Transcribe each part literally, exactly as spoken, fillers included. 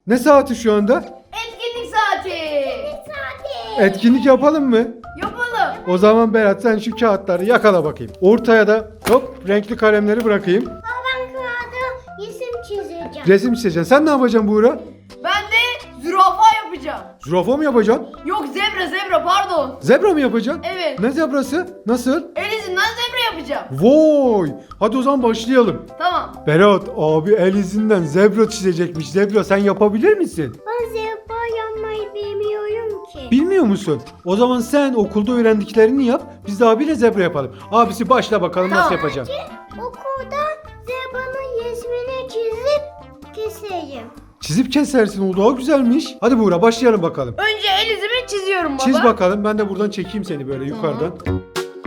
Ne saati şu anda? Etkinlik saati. Saati. Etkinlik yapalım mı? Yapalım. O zaman Berat sen şu kağıtları yakala bakayım. Ortaya da hop renkli kalemleri bırakayım. Baba ben kağıda resim çizeceğim. Resim çizeceksin. Sen ne yapacaksın Buğra? Ben de zürafa yapacağım. Zürafa mı yapacaksın? Yok zebra zebra pardon. Zebra mı yapacaksın? Evet. Ne zebrası? Nasıl? El izinden zebra yapacağım. Vay! Hadi o zaman başlayalım. Tamam. Berat abi el izinden zebra çizecekmiş. Zebra sen yapabilir misin? Ben zebra yapmayı bilmiyorum ki. Bilmiyor musun? O zaman sen okulda öğrendiklerini yap. Biz de abiyle zebra yapalım. Abisi başla bakalım nasıl Tamam. yapacaksın. Okulda zebranın resmini çizip keseyim. Çizip kesersin o daha güzelmiş. Hadi Buğra başlayalım bakalım. Önce el izimi çiziyorum baba. Çiz bakalım ben de buradan çekeyim seni böyle Tamam. yukarıdan.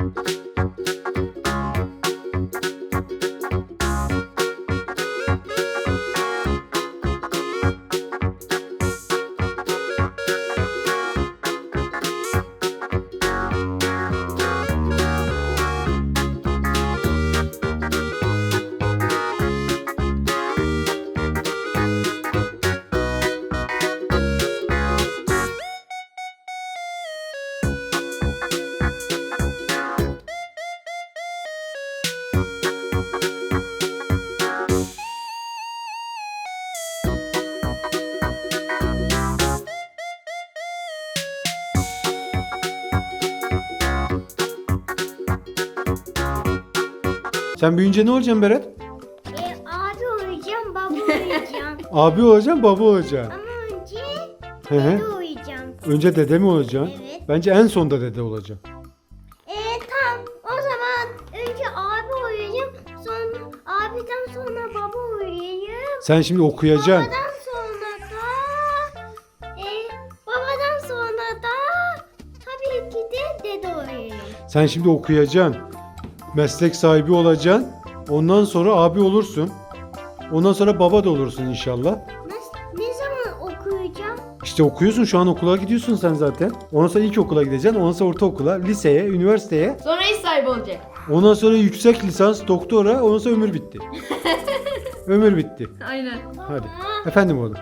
Sen büyüyünce ne olacaksın Berat? E, abi uyuyacağım, baba uyuyacağım. Abi olacaksın baba olacaksın. Ama önce Hı hı. dede uyuyacağım. Önce dede mi olacaksın? Evet. Bence en sonda dede olacaksın. E tamam. O zaman önce abi uyuyacağım. Sonra abiden sonra baba uyuyacağım. Sen şimdi okuyacaksın. Babadan sonra da e, babadan sonra da tabii ki de dede uyuyacağım. Sen şimdi okuyacaksın. Meslek sahibi olacaksın. Ondan sonra abi olursun. Ondan sonra baba da olursun inşallah. Ne, ne zaman okuyacağım? İşte okuyorsun şu an okula gidiyorsun sen zaten. Ondan sonra ilkokula gideceksin. Ondan sonra ortaokula, liseye, üniversiteye. Sonra iş sahibi olacak. Ondan sonra yüksek lisans, doktora. Ondan sonra ömür bitti. Ömür bitti. Aynen. Hadi. Efendim oğlum.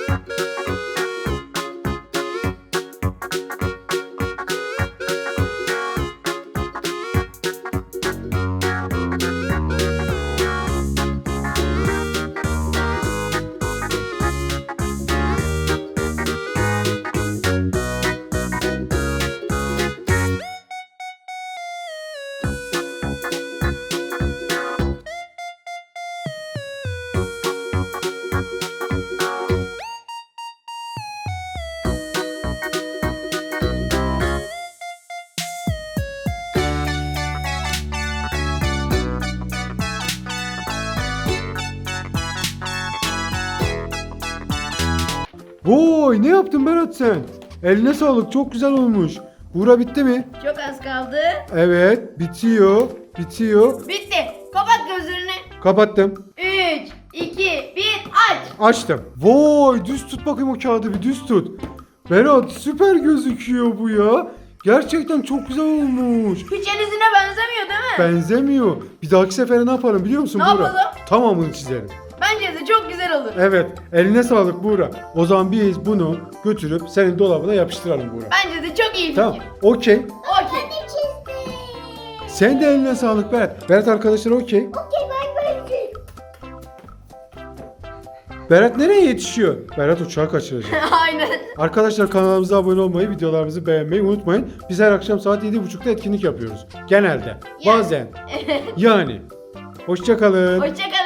Vay ne yaptın Berat sen? Eline sağlık çok güzel olmuş. Buğra bitti mi? Çok az kaldı. Evet bitiyor. Bitiyor. Bitti. Kapat gözlerini. Kapattım. üç, iki, bir aç. Açtım. Vay düz tut bakayım o kağıdı bir düz tut. Berat süper gözüküyor bu ya. Gerçekten çok güzel olmuş. Hiç el izine benzemiyor değil mi? Benzemiyor. Bir dahaki sefere ne yapalım biliyor musun Ne Buğra? yapalım? Tamamını çizelim. Bence de çok güzel olur. Evet eline sağlık Buğra. O zaman biz bunu götürüp senin dolabına yapıştıralım Buğra. Bence de çok iyi fikir. Tamam okey. Okey. Ne çizdim? Sen de eline sağlık Berat. Berat arkadaşlar okey. Okey ben böyle. Berat nereye yetişiyor? Berat uçağı kaçıracak. Aynen. Arkadaşlar kanalımıza abone olmayı, videolarımızı beğenmeyi unutmayın. Biz her akşam saat yedi buçukta etkinlik yapıyoruz. Genelde. Bazen. Yani. Hoşça kalın. Hoşçakalın.